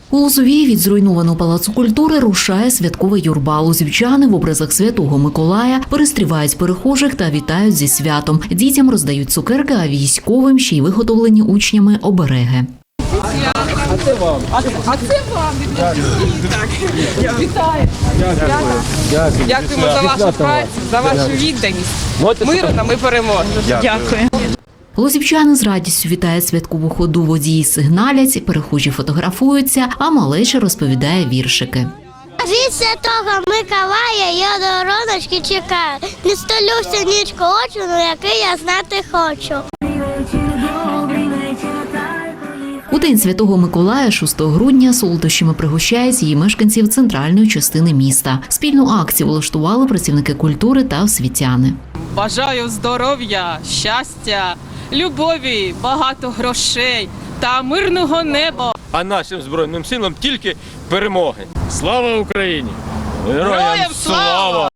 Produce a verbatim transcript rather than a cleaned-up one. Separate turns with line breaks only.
У Лозовій від зруйнованого палацу культури рушає святковий юрба. Лозівчани в образах Святого Миколая перестрівають перехожих та вітають зі святом. Дітям роздають цукерки, а військовим ще й виготовлені учнями обереги.
А це вам. А це вам. Вітаю. Дякую. Дякуємо за вашу працю, за вашу відданість. Миру нам і перемоги. Дякую.
Лозівчани з радістю вітають святкову ходу, водії сигналять, перехожі фотографуються, а малеча розповідає віршики.
Від Святого Миколая я до раночки чекаю. Не столюся нічку очі, ну який я знати хочу.
У День Святого Миколая, шостого грудня, солодощами пригощають її мешканців центральної частини міста. Спільну акцію влаштували працівники культури та освітяни.
Бажаю здоров'я, щастя, любові, багато грошей та мирного неба.
А нашим Збройним силам тільки перемоги. Слава Україні! Героям слава!